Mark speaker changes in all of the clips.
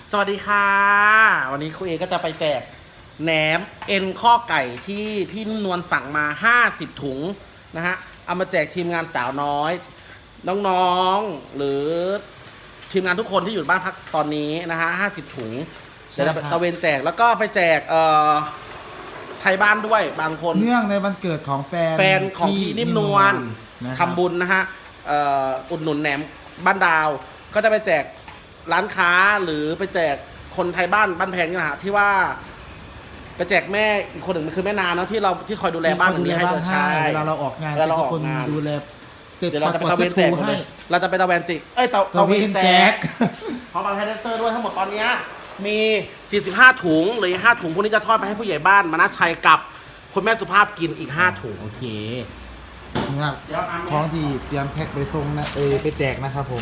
Speaker 1: สวัสดีค่ะวันนี้ครูเอก็จะไปแจกแหนมเอ็นข้อไก่ที่พี่นุ่นนวลสั่งมา50ถุงนะฮะเอามาแจกทีมงานสาวน้อยน้องๆหรือทีมงานทุกคนที่อยู่บ้านพักตอนนี้นะฮะ50ถุงเดี๋ยวจะตะเวนแจกแล้วก็ไปแจกไทยบ้านด้วยบางคน
Speaker 2: เนื่องในวันเกิดของแฟน
Speaker 1: ของพี่นิ่มนวลทำบุญนะฮะอุดหนุนแหนมบ้านดาวก็จะไปแจกร้านค้าหรือไปแจกคนไทยบ้านแพงนี่นะฮะที่ว่าไปแจกแม่อีกคนหนึ่งมันคือแม่นาเนาะที่คอยดูแลบ้านหลังนี้ให้ด้วยใช่
Speaker 2: เวลาเราออกงาน
Speaker 1: เวลาเราออกงาน
Speaker 2: ดูแล
Speaker 1: เดี๋ยวเราจะไปตะเวนแจกเลยเราจะไปตะเวนจิกตะเวนแจกเพราะบางแฮนเซอร์ด้วยทั้งหมดตอนนี้มี45ถุงหรือ5ถุงพวกนี้จะทอดไปให้ผู้ใหญ่บ้านมานะชัยกับคุณแม่สุภาพกินอีก5ถุง
Speaker 2: โอเคนะครับของที่เตรียมแพ็คไปส่งนะไปแจกนะครับผม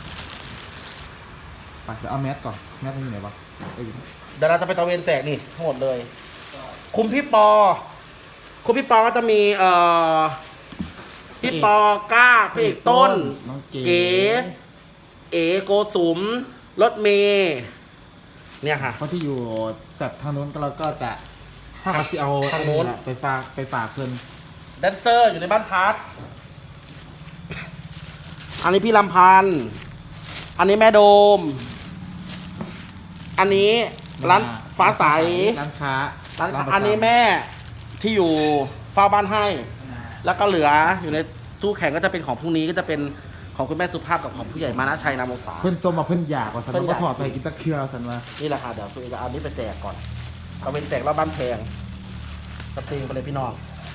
Speaker 2: ไปเดี๋ยวเอาแมสก่อนแมสมันอยู่ไหนวะ
Speaker 1: เดี๋ยวเราจะไปตะเวนแจกนี่ทั้งหมดเลยคุมพี่ปอก็จะมีพี่ปอก้าพี่เอกต้นเก๋โกสุมรถเมย์เนี่ยค่ะ
Speaker 2: เพราะที่อยู่จัดทางโน้นเราก็จะถ้าเขาจะเอา
Speaker 1: ทางโน้น
Speaker 2: ไปฝากเพื่อน
Speaker 1: แดนเซอร์อยู่ในบ้านพักอันนี้พี่ลำพันธ์อันนี้แม่โดมอันนี้ร้านฟ้าใส
Speaker 2: ร้านค้า
Speaker 1: อันนี้แม่ที่อยู่เฝ้าบ้านให้แล้วก็เหลืออยู่ในตู้แข่งก็จะเป็นของพรุ่งนี้ก็จะเป็นของคุณแม่สุภาพกับของผู้ใหญ่มานะชัยนามวงศา
Speaker 2: เพื่อนจมมาเพื่อนอยากกว่าสันก็ถอดไปกินตะเคียวสันว่า
Speaker 1: นี่แหละค่ะเดี๋ยวตัวจะเอานี้ไปแจกก่อนเอาเป็นแจกรอบบ้านแพงสตรีมไปเลยพี่น้อง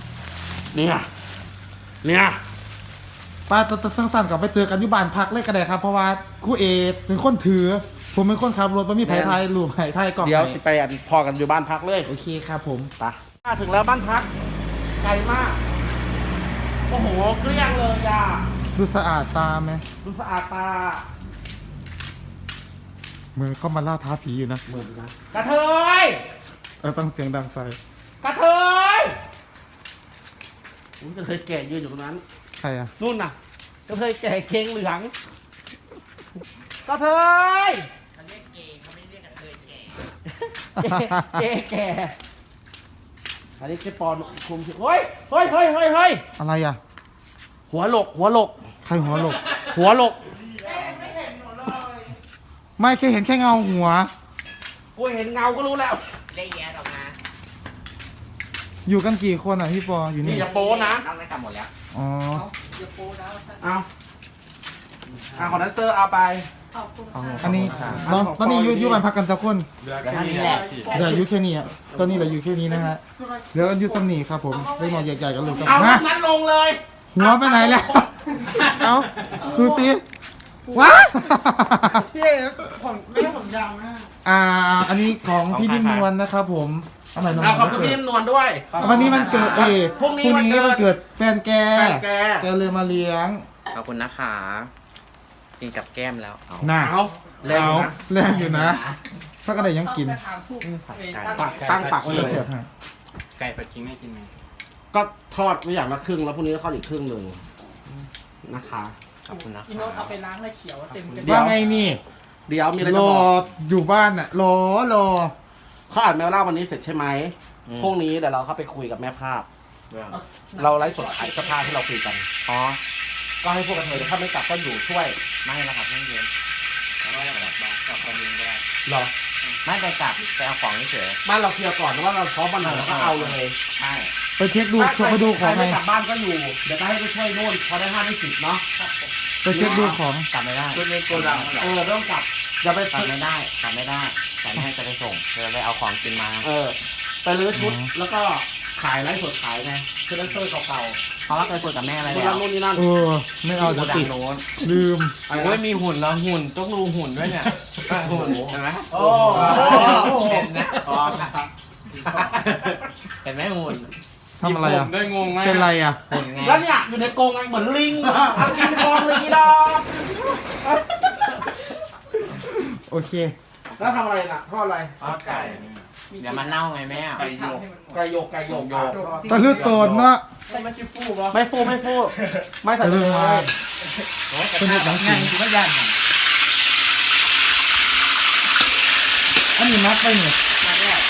Speaker 1: เนี่ย
Speaker 2: ป้าจะสั้นๆกับไปเจอกันที่บ้านพักเลยก็ได้ครับเพราะว่าคู่เอเป็นคนถือผมเป็นคนขับรถไม่มีไผ่ไทยรูปไผ่ไทยกล่อง
Speaker 1: เดี๋ยวสิไปพอกันอยู่บ้านพักเลย
Speaker 2: โอเคครับผม
Speaker 1: ไปถึงแล้วบ้านพักไกลมากโอ้โหเกลี้ยงเลยอ่ะ
Speaker 2: ดูสะอาดตาไหม
Speaker 1: ดูสะอาดตา
Speaker 2: เหมือนเข้ามาล่าท้าผีอยู่นะ
Speaker 1: เหมือนนะกระเทย
Speaker 2: ต้องเสียงดังใส่
Speaker 1: กระเทยกระเทยแก่ยืนอยู่ตรงนั้น
Speaker 2: ใครอะ
Speaker 1: นู่นน่ะกระเทยแก่เค้งเหลืองกระเทยเขาเรียกเกย์เขาไม่เรียกกระเทยแก่อันนี้คือปอนคุมเฮ้ย
Speaker 2: อะไรอะ
Speaker 1: หัวหลก
Speaker 2: ใครหัวหลก
Speaker 1: ไม่เห็นหนูเลย
Speaker 2: ไม่แค่เห็นแค่เงาหัว
Speaker 1: กูเห็นเงาก็รู้แล้ว
Speaker 3: ได้แย่ออกมา
Speaker 2: อยู่กันกี่คนอ่ะพี่ปออยู่นี่
Speaker 1: อย่าโป้นะ
Speaker 3: น้องได้กลับหมดแล้ว
Speaker 2: อ๋อ
Speaker 3: อย่าโป้นะ
Speaker 1: เอาของนันเซอร์เอาไป
Speaker 2: อันนี้ตอนนี้อยู่บ้านพักกันสักคน
Speaker 3: เดี๋ยวนี้แหละ
Speaker 2: เดี๋ยวอยู่แค่นี้อ่ะตอนนี้เราอยู่แค่นี้นะฮะเดี๋ยวอยู่สำนีครับผมได้นอนใหญ่ๆกันเลยครับ
Speaker 1: เอานั้นลงเลย
Speaker 2: หัวไปไหนแล้วเอาดูสิว้าพี่ผมไม่ให้ผมยาวนะอันนี้ของพี่นิ่มนวลนะครับผม
Speaker 1: เอาขอบคุณพี่นิ่มนวลด้วย
Speaker 2: วันนี้มันเกิดพรุ่งนี้มันเกิดแฟนแกเลยมาเลี้ยง
Speaker 3: ขอบคุณนะคะกินกับแก้มแล้ว
Speaker 2: น่า
Speaker 1: แรง
Speaker 2: อยู่นะถ้าก็ได้ยังกิน
Speaker 1: ตั้งปากไว้เลย
Speaker 3: ไก่ผัดขิงไม่กินไหม
Speaker 1: ก็ทอดไว้อย่างละครึ่งแล้วพรุ่งนี้ก็ทอดอีกครึ่งหนึ่งนะคะ
Speaker 3: ขอบคุณนะ
Speaker 4: พี่โน้ตเอาไปล้างให้เขียวเต็มกัน
Speaker 2: ว่าไงนี่
Speaker 1: เดี๋ยวมีอะไรจะ
Speaker 2: บอกอยู่บ้านน่ะรอ
Speaker 1: เขาอ่านแมวเล่าวันนี้เสร็จใช่ไหมพรุ่งนี้เดี๋ยวเราเข้าไปคุยกับแม่ภาพเราไลฟ์สดขายเสื้อผ้าที่เราคุยกัน
Speaker 3: อ๋อ
Speaker 1: ก็ให้พวกกระเทยถ้าไม่กลับก็อยู่ช่วย
Speaker 3: ไม่ละครับไม่เย็นไม่ได้แบบกลับตอนเย็นก็ได้
Speaker 1: หรอ
Speaker 3: ไม่ไปกลับไปเอาของเฉย
Speaker 1: บ้านเราเคลียร์ก่อนว่าเราพร้อมวันไหนเราก็เอาเลย
Speaker 3: ใช่
Speaker 2: ไปเช็คดูไปดูของไง
Speaker 1: กลับบ้านก็อยู่เดี๋ยวก็ให้ไปช่วยโน่นพอได้5ได้10เนาะ
Speaker 2: ไปเช็คดูของ
Speaker 3: กลับไม่ได้
Speaker 1: ช่วยในโกดังเริ่มกลับอย่าไป
Speaker 3: กลับไม่ได้แต่ไม่ให้จะไปส่งจะไปเอาของกินมา
Speaker 1: ไปรื้อชุดแล้วก็ขายไลฟ์สดขายไงคือแดนเซอร์เก่าๆ
Speaker 3: เพราะว่าเคยคุยกับแม่อะไร
Speaker 1: แล้วนู่นนี่นั่น
Speaker 2: ไม่เอาจะติดลืม
Speaker 3: ไม่มีหุ่นแล้วหุ่นต้องดูหุ่นด้วยเนี่ยหุ่นเห็นไหม
Speaker 1: โอ้
Speaker 3: เห็นนะเห็นไหมหุ่น
Speaker 2: ทำอะไรอ่ะ
Speaker 3: ได้งงไหม
Speaker 2: เป็นไรอ่ะ
Speaker 3: หุ่นไง
Speaker 1: แล้วเนี่ยอยู่ในกรงไงเหมือนลิงเอาลิงกองเลยดอก
Speaker 2: โอเค
Speaker 1: แล้วทำอะไรน่ะทอดอะไร
Speaker 3: ทอดไก่เดี๋ยวมันเน่าไงแม่
Speaker 1: ไก่โยก
Speaker 2: ตะลึกโตนเนาะ
Speaker 1: ไม่ฟูไม่ใส่เลย
Speaker 2: เป็นเด็กหนังงาน
Speaker 3: จริงก็ยัน
Speaker 2: อันนี้มัดไปเนี่ย
Speaker 1: มาแรก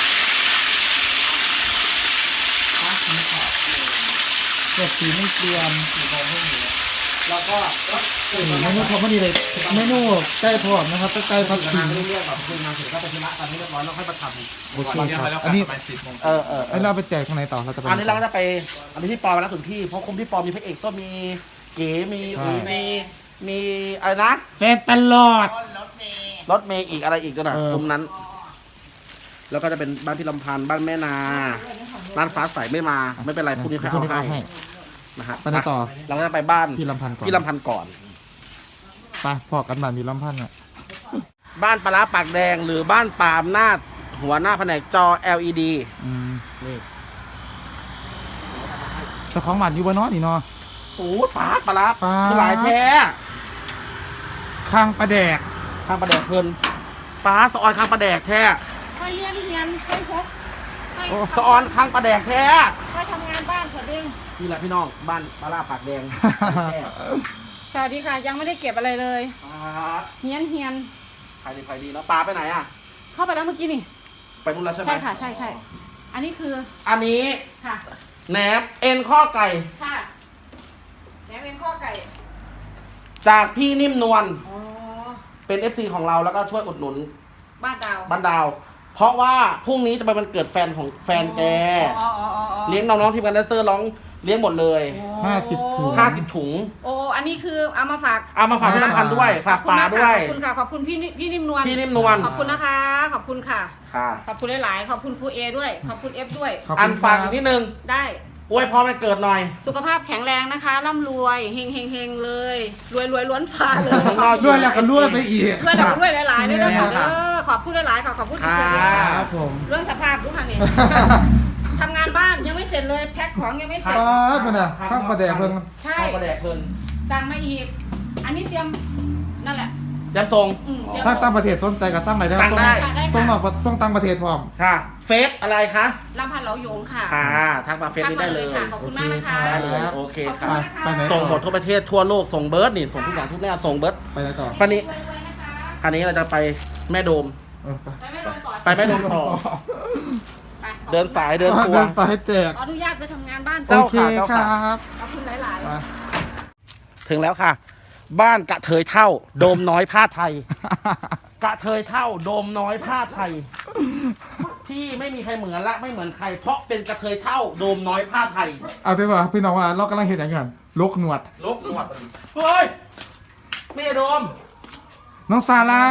Speaker 2: เก็บสีไม่เตรียม
Speaker 1: แล้วก็
Speaker 2: เมนูทอดพอดีเลยเมนูไก่ทอดนะครับไก่ผัด
Speaker 1: เดี๋ยว
Speaker 2: ขิ
Speaker 1: นาง งเรียกแบบคุยงานเสร็จก็ไปธุระกันให้เรียบร้อยแล้วค่อยมาทำ
Speaker 2: โอเค
Speaker 3: ตอนนี้
Speaker 2: ค
Speaker 3: เรา
Speaker 2: รับ
Speaker 3: แล้ว
Speaker 2: อันนี้
Speaker 3: ประมาณ10 โมง
Speaker 2: อันนี้เราไปแจกข้างในต่อเราจะไป
Speaker 1: อันนี้เราก็จะไปอันนี้พี่ปอมาแล้วถึงที่เพราะคุมพี่ปอมีพระเอกก็มีเก๋มี
Speaker 2: ใช่
Speaker 1: มีอะไรนะ
Speaker 2: แฟนตลอด
Speaker 1: รถเมย์อีกอะไรอีกด้วยนะ
Speaker 2: เออ
Speaker 1: คุมนั้น แล้วก็จะเป็นบ้านพี่ลำพันธ์บ้านแม่นาบ้านฟ้าใสไม่มาไม่เป็นไรพรุ่งนี้ใครเอาให้นะฮะ
Speaker 2: ไปไหนต่อ
Speaker 1: เราก็จะไปบ้าน
Speaker 2: พี่ลำพันธ์ก่อน
Speaker 1: พี่ลำพันธ์ก่อน
Speaker 2: ไปพอกันบ้านมีลำพันธ์อ่ะ
Speaker 1: บ้านปลาร้าปากแดงหรือบ้านปาล์มนาดหัวหน้าแผนกจอ LED
Speaker 2: อืม
Speaker 1: นี่
Speaker 2: แต่ของหมันอยู่บนนอนี่เนาะ
Speaker 1: โอ้ปลาปลาร้า
Speaker 2: ปลา
Speaker 1: คือหลายแท้
Speaker 2: ข้างประแดก
Speaker 1: ข้างปลาแดกเพลินปลาสะออนข้างปลาแดกแท้
Speaker 4: ไปเรียนไปพบไป
Speaker 1: สะออนข้างปลาแดกแท้
Speaker 4: ไปทำงานบ้านสวัสดี
Speaker 1: นี่แหละพี่น้องบ้านปลาร้าปากแดงแท้
Speaker 4: สวัสดีค่ะ ยังไม่ได้เก็บอะไรเลย
Speaker 1: ปลา
Speaker 4: เฮียน
Speaker 1: ใครดีใครดีแล้วปลาไปไหนอ่ะ
Speaker 4: เข้าไปแล้วเมื่อกี้นี่
Speaker 1: ไปนู่นแล้วใช่ไหม
Speaker 4: ใช่ค่ะใช่ อันนี้คือ
Speaker 1: อันนี้
Speaker 4: ค่ะ
Speaker 1: แหนมเอ็นข้อไก่
Speaker 4: ค่ะแหนมเป็นข้อไก่
Speaker 1: จากพี่นิ่มนวล
Speaker 4: อ๋อ
Speaker 1: เป็น FC ของเราแล้วก็ช่วยอุดหนุน
Speaker 4: บ้านดาว
Speaker 1: บ้านดาว เพราะว่าพรุ่งนี้จะเป็นวันเกิดแฟนของแฟนแก
Speaker 4: อ๋อ
Speaker 1: เลี้ยงน้องๆทีมงานแดนเซอร์ร้องเลี้ยงหมดเลย
Speaker 2: 50 ถุง
Speaker 1: 50 ถุง
Speaker 4: โอ้อันนี้คือเอามาฝาก
Speaker 1: เอามาฝากพี่น้ำพันธ์ด้วย ฝากปลาด้วย
Speaker 4: ขอบคุณค่ะขอบคุณพี่นิ่มนวล
Speaker 1: พี่นิ่มนวล
Speaker 4: ขอบคุณนะคะ ขอบคุณค่ะ
Speaker 1: ค่ะ
Speaker 4: ขอบคุณหลายๆขอบคุณครูเอด้วย ขอบคุณเอฟด้วย
Speaker 2: ขอบคุณ
Speaker 1: อันฝาก
Speaker 2: ครับ
Speaker 1: อีกนิดนึง
Speaker 4: ได้
Speaker 1: อวยพรวันเกิดหน่อย
Speaker 4: สุขภาพแข็งแรงนะคะร่ำรวยเฮงเฮงเฮงเลย รวยล้วนฟ้าเลย
Speaker 1: ข้างนอก
Speaker 2: ด้วยแล้วก็ด้วยไปอีก
Speaker 4: ด้วยแล้วก็ด้วยหลายๆด้วย
Speaker 1: แน่
Speaker 4: ค่ะ
Speaker 1: ค่ะ
Speaker 4: เด้อขอบคุณหลายๆขอบคุณทุกคน
Speaker 1: ค่ะ
Speaker 2: ครับผม
Speaker 4: เรื่องสภาพดูค่ะนี่ทำงานบ้านยังไม่เสร็จเลยแพ็คของยังไม่เสร็จ
Speaker 2: ป้าดมันอ่ะข้างประแดกเพิ่ง
Speaker 4: ใช่
Speaker 1: ข้างปลาแดกเพลิน
Speaker 4: สั่งมาอีก อันนี้เตรียมนั่นแหละ
Speaker 1: ยังส่ง
Speaker 4: เตรียม
Speaker 2: ถ้าตั้งประเทศสนใจก็สร้างรายได้
Speaker 1: สั่งได้
Speaker 2: ส่งนอกส่งตั้งประเทศพร้อม
Speaker 1: ค่ะ เฟซอะไรคะ
Speaker 4: ลำพันธ์เหลาโยงค่ะ
Speaker 1: ค่ะทักมาเฟซนี้ได้เลย
Speaker 4: ค่ะขอบคุณมากนะคะ
Speaker 1: ได้เลยโอเคค่ะ
Speaker 2: ไปไหนต่อ
Speaker 1: ส่งหมดทั่วประเทศทั่วโลกส่งเบิร์ดนี่ส่งทุกอย่างทุกแนวส่งเบิร์ด
Speaker 2: ไปไหนต่อ
Speaker 1: วันนี้
Speaker 4: รวยๆนะคะ
Speaker 1: อันนี้เราจะไปแม่โดม
Speaker 2: เออไป
Speaker 4: ไปไม่ลงก่อน
Speaker 1: ไปแม่โดมต่อ
Speaker 4: ไป
Speaker 1: เดินสายเดินทัว
Speaker 2: เดิ
Speaker 1: ร์
Speaker 2: นสายแจก
Speaker 4: ขออนุญาตไปทำงานบ้าน
Speaker 1: เจ้า
Speaker 2: โอเคครับ
Speaker 4: ขอบคุณหลาย
Speaker 2: ไป
Speaker 4: ๆ
Speaker 1: ถึงแล้วค่ะ บ้านกระเทยเท่า โดมน้อยผ้าไทย กระเทยเท่า โดมน้อยผ้าไทย ที่ไม่มีใครเหมือนและไม่เหมือนใคร เพราะเป็นกระเทยเท่า โดมน้อยผ้าไทย
Speaker 2: เอาไปว่าพี่น้องว่าเรากำลังเห็นอย่างเงี้ยลกหนวด
Speaker 1: ลบหนวดเฮ้ยแม่โดม
Speaker 2: น้องซาร่าง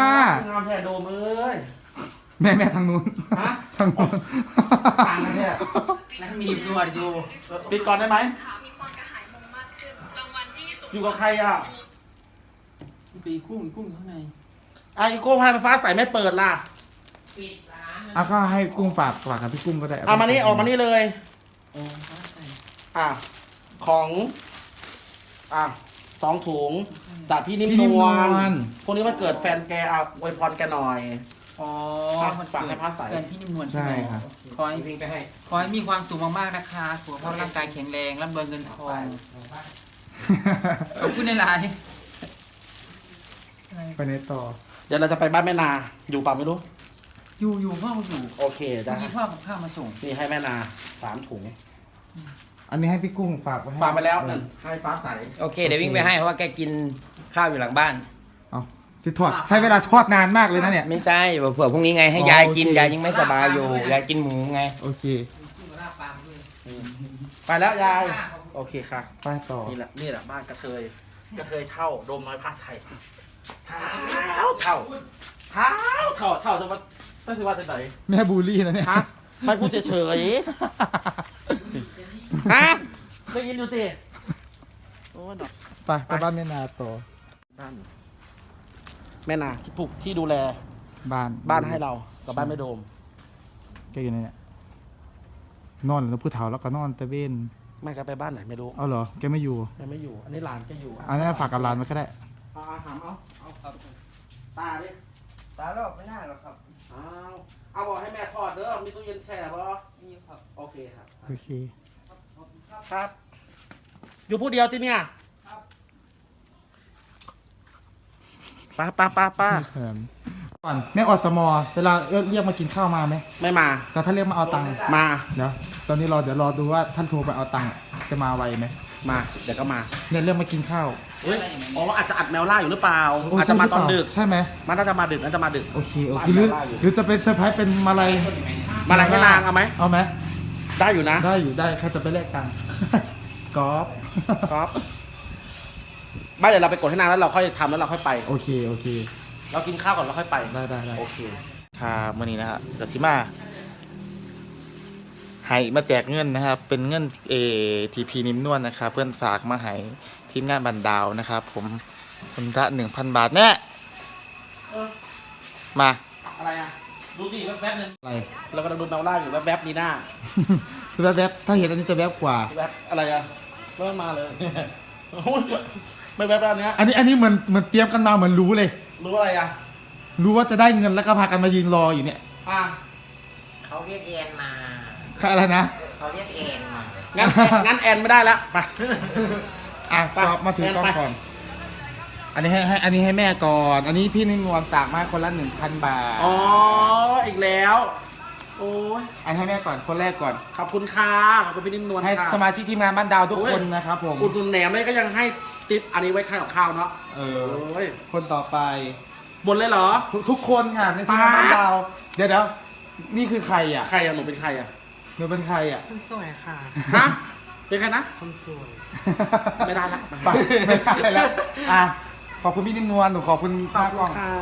Speaker 1: ามแท้โดมเอ้ย
Speaker 2: แม่ทางนู้น
Speaker 1: ฮะ
Speaker 2: ทางนู้น
Speaker 1: ต่างกันแท้
Speaker 3: แล้วมีนวดอยู่
Speaker 1: ปิดก่อนได้ไหม
Speaker 5: มีความกระหายมงมากขึ้น รางวัลที่สูง
Speaker 1: อยู่กับใครอ่ะ
Speaker 3: ปีกุ้งอยู่ข้างใน
Speaker 1: ไอ้โก้พายไฟฟ้าใส่ไม่เปิดล่ะ
Speaker 2: อ่ะก็ให้กุ้งฝากกับพี่กุ้งก็ได้
Speaker 1: เอามานี่ออกมานี่เลย
Speaker 3: โอ้ฟ้าใส่
Speaker 1: อ่ะของอ่ะ2 ถุงจากพี่นิ่ม
Speaker 2: พี่นิ่ม
Speaker 1: น
Speaker 2: น
Speaker 1: ว
Speaker 2: ว
Speaker 1: ล
Speaker 2: ล
Speaker 1: พวกนี้มันเกิดแฟนแกอ่ะอวยพรแกหน่อย
Speaker 3: อ๋อ
Speaker 1: ฝากให้ฟ้าใส
Speaker 3: แฟนพี่นิ่มนวล
Speaker 2: ใช่ครับ
Speaker 3: ขอให้วิ่งไปให้ ขอให้มีความสุขมากๆนะคะสุขภาพร่างกายแข็งแรงร่ำรวยเงินทองขอบคุณในไลน์
Speaker 2: ไปไหนต่อ
Speaker 1: เดี๋ยวเราจะไปบ้านแม่นา อยู่เปล่าไม่รู้
Speaker 3: อยู่พ่ออยู่
Speaker 1: โอเคได้
Speaker 3: มีพ่อกับข้าวมาส่ง
Speaker 1: นี่ให้แม่นา3 ถุง
Speaker 2: อันนี้ให้พี่กุ้งฝากไว้ให้
Speaker 1: ฝากไปแล้วนั่นให้ฟ้าใส
Speaker 6: โอเค เดี๋ยววิ่งไปให้เพราะว่าแกกินข้าวอยู่หลังบ้าน
Speaker 2: เอาที่ทอดใช้เวลาทอดนานมากเลยนะเนี่ย
Speaker 6: ไม่ใช่เผื่อพรุ่งนี้ไงให้
Speaker 2: อ๋อย
Speaker 6: ายกิน
Speaker 2: โอเค
Speaker 6: ยายยังไม่สบายอยู่ยายกินหมูไง
Speaker 2: โอเค
Speaker 1: ไปแล้วยาย โอเคค่ะ
Speaker 2: ไปต่อ
Speaker 1: นี่แหละบ้านกระเทย กระเทยเท่า โดมน้อยผ้าไทยเท่าเท่าจะมาต้องถือว่าจะไหน
Speaker 2: แม่บูลลี่นะเนี่ย
Speaker 1: ฮะไม่พูดเฉยๆฮะได้ยินอยู่สิโอ้ดอก
Speaker 2: ไปบ้านแม่นาต่อ
Speaker 1: บ้านแม่นาที่ปลูกที่ดูแล
Speaker 2: บ้าน
Speaker 1: ให้เรากับบ้านไม่โดม
Speaker 2: แกอยู่ในเนี่ยนอนแล้วผู้เฒ่าแล้วก็นอนตะเวน
Speaker 1: ไม่ก็ไปบ้านไหนไม่รู้
Speaker 2: เอาเหรอแกไม่อยู่
Speaker 1: แกไม่อยู่ อันนี้หลานแกอยู่
Speaker 2: อันนี้ฝากกับหลานมาก็ได้
Speaker 1: เอาถามเอาตาดิ
Speaker 6: ตาลอกไม่น่าหรอกครับ
Speaker 1: เอาบอกให้แม่ทอดเด้อมีตู้เย็นแช่ป่ะมีครับโอเคครับ
Speaker 2: โอเค
Speaker 1: ครับ อยู่ผู้เดียวที่เนี่ยป้า
Speaker 2: แถมก่อนแม่อสมเวลาเรียกมากินข้าวมาไหม
Speaker 1: ไม่มา
Speaker 2: แต่ถ้าเรียกมาเอาตังค์
Speaker 1: มา
Speaker 2: เดี๋ยวตอนนี้เดี๋ยวรอดูว่าท่านโทรไปเอาตังค์จะมาไวไหม
Speaker 1: มาเดี๋ยวก็มา
Speaker 2: เนี่ยเรียกมากินข้าว
Speaker 1: เฮ้ยอ๋ออาจจะอัดแมวล่าอยู่หรือเปล่าอาจจะมาตอนดึก
Speaker 2: ใช่ไหม
Speaker 1: มันน่าจะมาดึกน่าจะมาดึก
Speaker 2: โอเคหรือจะเป็นเซอร์ไพรส์เป็นมาลัย
Speaker 1: มาอะไรให้นางเอาไหม
Speaker 2: เอาไหม
Speaker 1: ได้อยู่นะ
Speaker 2: ได้อยู่ได้ใครจะไปแลกตังค์ กอล์ฟ
Speaker 1: ครับไม่เดี๋ยวเราไปกดให้นางแล้วเราค่อยทำแล้วเราค่อยไป
Speaker 2: โอเคโอเค
Speaker 1: เรากินข้าวก่อนเราค่อยไป
Speaker 2: ได้
Speaker 1: โอเค
Speaker 2: ครับวันนี้นะครับกสิมาให้มาแจกเงินนะครับ เป็นเงินทีพีนิ่มนวลนะครับ เพื่อนฝากมาให้ทีมงานบันดาวนะครับ ผมคนละ 1,000 บาทแน่มา
Speaker 1: อะไรอ่ะดูสิแป๊บๆนึง
Speaker 2: อะไร
Speaker 1: เรากำลังดูแมวล่าอยู่แป๊บๆนีน่า
Speaker 2: แวบๆถ้าเห็นอันนี้จะแวบกว่า
Speaker 1: แป๊บอะไรอ่ะเริ่มมาเลย โอ้ยไม่แป๊บแล้วเนี้ย
Speaker 2: อันนี้เหมือนเตรียมกันมาเหมือนรู้เลย
Speaker 1: รู้อะไรอ่ะ
Speaker 2: รู้ว่าจะได้เงินแล้วก็พากันมายืนรออยู่เนี่ย
Speaker 1: อ่ะ
Speaker 7: เขาเรียกเอ็นมา
Speaker 2: อะไรนะ
Speaker 7: เขาเรียกเอ็นมา
Speaker 1: งั้นแอนไม่ได้แล้วไป
Speaker 2: อ่ะ
Speaker 1: ไป
Speaker 2: ก็มาถือกล้อง
Speaker 1: ไป
Speaker 2: ก่อน อันนี้อันนี้ให้แม่ก่อน อันนี้พี่นิ่มนวลฝากมาคนละ 1,000 บาท
Speaker 1: อ๋ออีกแล้ว โอ้ย
Speaker 2: อันให้แม่ก่อนคนแรกก่อน
Speaker 1: ขอบคุณค่ะขอบคุณพี่นิ่มนวล
Speaker 2: ให้
Speaker 1: ค่ะ
Speaker 2: สมาชิกทีมงานบ้านดาวทุกคนนะครับผม
Speaker 1: อุดหนุนแหนมเลยก็ยังให้ติปอันนี้ไว้ค่ากับข้าวเนาะ
Speaker 2: เอ
Speaker 1: โอ
Speaker 2: อ้
Speaker 1: ย
Speaker 2: คนต่อไป
Speaker 1: บนเลยเหรอ
Speaker 2: ทุกคนค่ะในทีมงานบ้านดาว เดี๋ยวนี่คือใครอ่ะ
Speaker 1: ใครอ่ะหนูเป็นใครอ่ะ
Speaker 2: หนูเป็นใครอ่ะ
Speaker 4: คนสวยค่ะ
Speaker 1: ฮะเป็นใครนะ
Speaker 4: คนสวย
Speaker 1: ไม่ได้ละ
Speaker 2: ไปไม่ได้แล้วอ่ะขอบคุณพี่นิ่มนวลหนูขอบคุณ
Speaker 1: ขอบ
Speaker 2: มาก
Speaker 1: คุ
Speaker 2: กล้อ
Speaker 1: ณ
Speaker 2: ง
Speaker 1: ค่ะ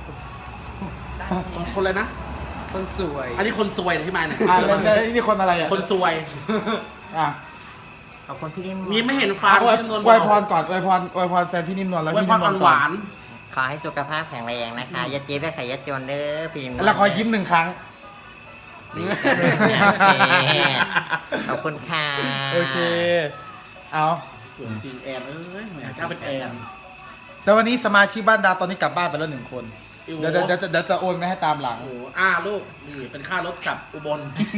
Speaker 1: คนเลยนะ
Speaker 3: คนสวย
Speaker 1: อันนี้คนซวยนะที่มาเนี่ย
Speaker 2: แล้วนี่คนอะไรอ่ะ
Speaker 1: คนซวย
Speaker 2: อ่ะ
Speaker 7: ขอบคุณพี่นิ่ม
Speaker 1: มีไม่เห็นฟ้า
Speaker 2: อวย
Speaker 1: พี่นิ่มนวล
Speaker 2: อวยพรก่อนอวยพรแฟนพี่นิ่มนวลแล้ว
Speaker 1: ไว้
Speaker 2: พี่
Speaker 1: พ
Speaker 2: นิ่
Speaker 1: ร
Speaker 2: มนว
Speaker 1: อ่อ
Speaker 2: ล
Speaker 1: นห
Speaker 2: ก่อน
Speaker 1: วาน
Speaker 7: ขอให้สุขภาพแข็งแรงนะคะอย่าเจ็บอย่าไข้อย่าจนเด้อพี่นิ่ม
Speaker 2: แล้วขอยิ้ม 1 ครั้ง
Speaker 7: โอเคขอบคุณค่ะ
Speaker 2: โอเค เอา
Speaker 1: สวยจริงแอนเอ้ยแหมเจ้าเป็นแอน
Speaker 2: แต่วันนี้สมาชิกบ้านดาวตอนนี้กลับบ้านไปแล้ว1 คน
Speaker 1: โอ้โห
Speaker 2: เดี๋ยวจะโอนมาให้ตามหลัง
Speaker 1: โอ้โหลูกนี่เป็นค่ารถกลับอุบล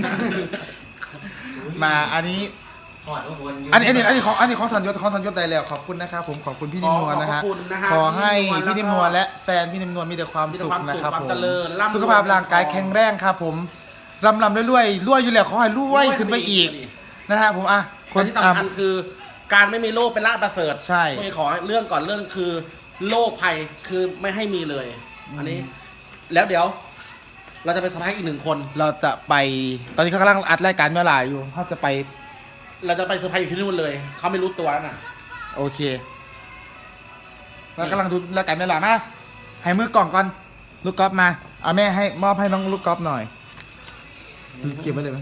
Speaker 2: มาอันนี้
Speaker 7: หอดวนอยู่
Speaker 2: อันนี้ของธัญยศได้แล้วขอบคุณนะครับผมขอบคุณพี่นิ่มนวลนะฮะ
Speaker 1: ขอบคุณนะฮะ
Speaker 2: ขอให้พี่
Speaker 1: พี่นิ่
Speaker 2: นิ่ม
Speaker 1: ม
Speaker 2: น
Speaker 1: น
Speaker 2: ว
Speaker 1: ว
Speaker 2: ล
Speaker 1: ล
Speaker 2: และแฟนพี่นิ่มนวลมีแต่ความ
Speaker 1: มีแต่
Speaker 2: สุข
Speaker 1: ความสุข
Speaker 2: นะครับ
Speaker 1: ความ
Speaker 2: ผม
Speaker 1: เจริญร่ำรวย
Speaker 2: สุขภาพร่างกายแข็งแรงครับผมรำรวยอยู่แล้วขอให้รวยขึ้นไปอีกนะฮะผมอ่ะ
Speaker 1: คนที่สำคัญคือ การไม่มีโรคเป็นลาภประเสริฐ
Speaker 2: ใช่
Speaker 1: ไม่ขอเรื่องก่อนเรื่องคือโรคภัยคือไม่ให้มีเลย อันนี้ แล้วเดี๋ยว เราจะไปสัมภาษณ์อีก1 คน
Speaker 2: เราจะไปตอนนี้เขากำลังอัดรายการเมื่อไหร่อยู่เขาจะไป
Speaker 1: เราจะไปเซอร์ไพรส์อยู่ที่นู่นเลย เขาไม่รู้ตัวน่ะ
Speaker 2: โอเคเรากำลังดูรายการเมื่อไหร่มาให้มือกล่องก่อนลูกกอล์ฟมาเอาแม่ให้มอบให้น้องลูกกอล์ฟหน่อยเก็บไว้เลยไหม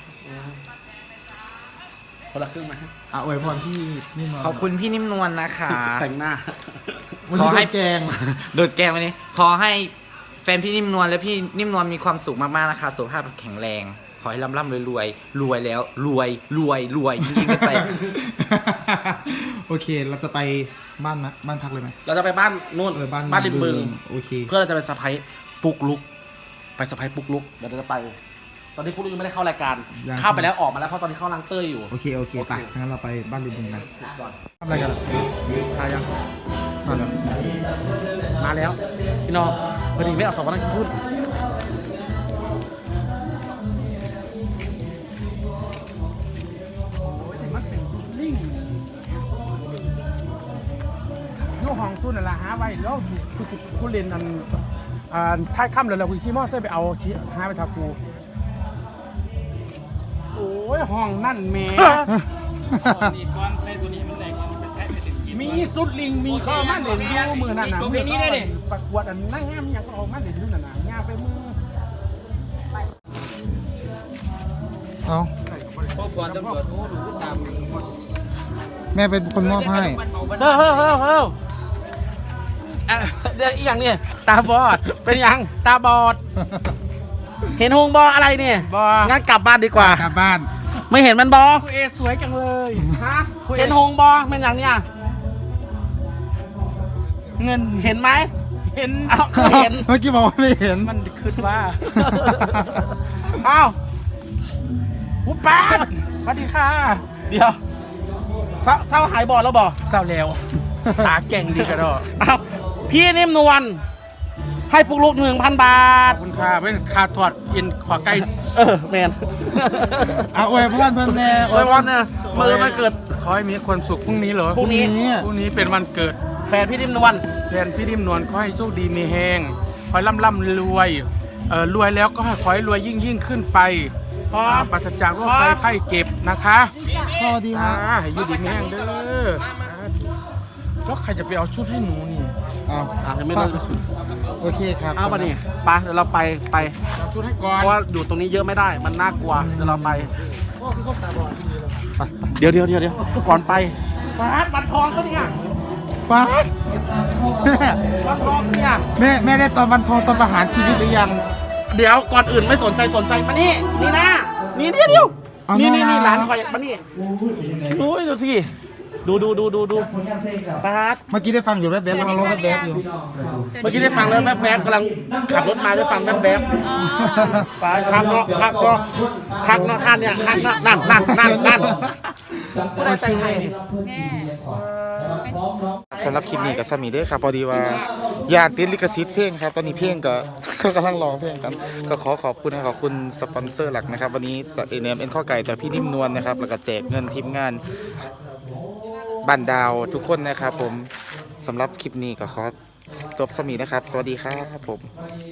Speaker 1: คนละครึ่งไหม
Speaker 2: อ่ะอวยพรที่นี่มา
Speaker 7: ขอบคุณพี่นิ่มนวลนะคะ
Speaker 1: แต่งหน้า
Speaker 2: วัน
Speaker 7: ข
Speaker 2: นี้
Speaker 7: อให้
Speaker 2: โดนแกง
Speaker 7: โดดแก้ววันนี้ ขอให้แฟนพี่นิ่มนวลและพี่นิ่มนวลมีความสุขมากๆนะคะสุขภาพแข็งแรง ขอให้ร่ำรวยรวยแล้วรวยยิ่งขึ้นไป
Speaker 2: โอเค เราจะไปบ้านบ้านพักเลยไหม
Speaker 1: เราจะไปบ้านนู่น บ้านริมบึง
Speaker 2: โอเค
Speaker 1: เพื่อเราจะไปเซอร์ไพรส์ปุกลุก ไปเซอร์ไพรส์ปุกลุก เดี๋ยวเราจะไป ตอนนี้ปุกลุกยังไม่ได้เข้ารายการ เข้าไปแล้วออกมาแล้วเพราะตอนนี้เข้าล้างเต้ยอยู่
Speaker 2: โอเคไปงั้นเราไปบ้านริมบึงกัน
Speaker 1: ก่อน
Speaker 2: ทำอะไรกัน
Speaker 1: ทายัง
Speaker 2: มาแล้ว
Speaker 1: มาแล้ว พี่น้องพอดีไม่เอาสองวันนั้นพูด
Speaker 8: อยู่ห้องตู้นั่นแหละหาไว้แล้วกูเรียนอันท้ายค่ำเลยเราคุยขี่มอไซค์ไปเอาหาไปทับกูโอ้ยห้องนั่นแหม่มีสุดลิงมีข้อมาเล่นอยู่มือนั่นน่ะมือนี้ได้ดิประกวดอันนั่งงามยังก็เอามาเล่นอยู่นั่นน่ะงามไปมือ
Speaker 2: เอา
Speaker 3: พวกก่อนตำรวจโอ้ดูตาม
Speaker 2: แม่เป็นคนมอบให้
Speaker 1: เฮ้ยเดี๋ยวอีกอย่างเนี่ยตาบอด เป็นยัง ตาบอด เห็นหงบออะไรเนี่ย
Speaker 8: บอ
Speaker 1: งั้นกลับบ้านดีกว่า
Speaker 2: กลับบ้าน
Speaker 1: ไม่เห็นมันบอ
Speaker 8: คุณเอสวยจังเลย
Speaker 1: ฮะเห็นหงบอเป็นอย่างเนี้ย
Speaker 8: เงิน
Speaker 1: เห็นไหม
Speaker 8: เห็น
Speaker 1: เอ้าคือเห็น
Speaker 2: เมื่อกี้บอกว่าไม่เห็น
Speaker 8: มันคิดว่า
Speaker 1: เอ้า
Speaker 8: หูป้าสวัสดีค่ะ
Speaker 1: เดี๋ยวเศร้าหายบอดแล้วบอ
Speaker 8: เศร้าแล้ว ตาเก่งดีกระโดด
Speaker 1: เอ้าพี่นิ่มนวลให้ปุ๊กลุก 1,000 บาท
Speaker 8: ขอบคุณค่ะเป็นค่าทอดเอ็นขอไก่
Speaker 1: แมน
Speaker 2: เอาอวยพรเพิ่นแน่
Speaker 1: โอ้ยวันเนี่ยมือมันเกิด
Speaker 8: ขอให้มีความสุขพรุ่งนี้เหรอ
Speaker 1: พรุ่งนี้
Speaker 8: พรุ่งนี้เป็นวันเกิด
Speaker 1: แฟนพี่นิ่มนวล
Speaker 8: แทนพี่นิ่มนวลขอให้โชคดีมีแฮงขอให้ร่ำรวยรวยแล้วก็ให้ขอให้รวยยิ่งขึ้นไปปราศจากโรคภัยไข้เจ็บนะคะ
Speaker 2: พอดีฮะ
Speaker 8: ให้อยูดีมีแฮงเด้อแล้วใครจะไปเอาชุดให้หนูนี่
Speaker 2: เอา
Speaker 1: ยังไม่เลิกเลยสุด
Speaker 2: โอเคครับ
Speaker 1: เอาปะนี่ไปเดี๋ยวเราไป
Speaker 8: เอาชุดให้ก่อ
Speaker 1: เพ
Speaker 8: น
Speaker 1: ราะว่าอยู่ตรงนี้เยอะไม่ได้ มันน่ากลัว เดี๋ยวเราไป เดี๋ยวก่อนไปฟ้าบัตรทองก็เนี่ย
Speaker 2: ป๊าด
Speaker 1: บัตรทองเนี่ย
Speaker 2: แม่ได้ตอนวันทองตอนประหารชีวิตหรือยัง
Speaker 1: เดี๋ยวก่อนอื่นไม่สนใจมานี่นี่นะนี่เดียว
Speaker 2: เอา
Speaker 1: นี่
Speaker 2: มา
Speaker 1: ร้านคอยมานี่ดูสิดูปาด
Speaker 2: เมื่อกี้ได้ฟังอยู่แว๊บๆกำลังร้องแว๊บๆอยู่
Speaker 1: เมื่อกี้ได้ฟังแล้วแวบๆกำลังขับรถมาได้ฟังแวบๆปาดคักเนาะท่านเนี่ยคักเนาะนั่นก็ได้ใจให้
Speaker 2: สำหรับคลิปนี้กับสามีเด้อครับพอดีว่าอยากติดลิขสิทธิ์เพลงครับตอนนี้เพลงก็ กำลังร้องเพลงกันก็ขอขอบคุณสปอนเซอร์หลักนะครับวันนี้จากNM ข้อไก่จากพี่นิ่มนวลนะครับแล้วก็แจกเงินทีมงานบ้านดาวทุกคนนะครับผมสำหรับคลิปนี้ก็ขอจบสามีนะครับสวัสดีครับผม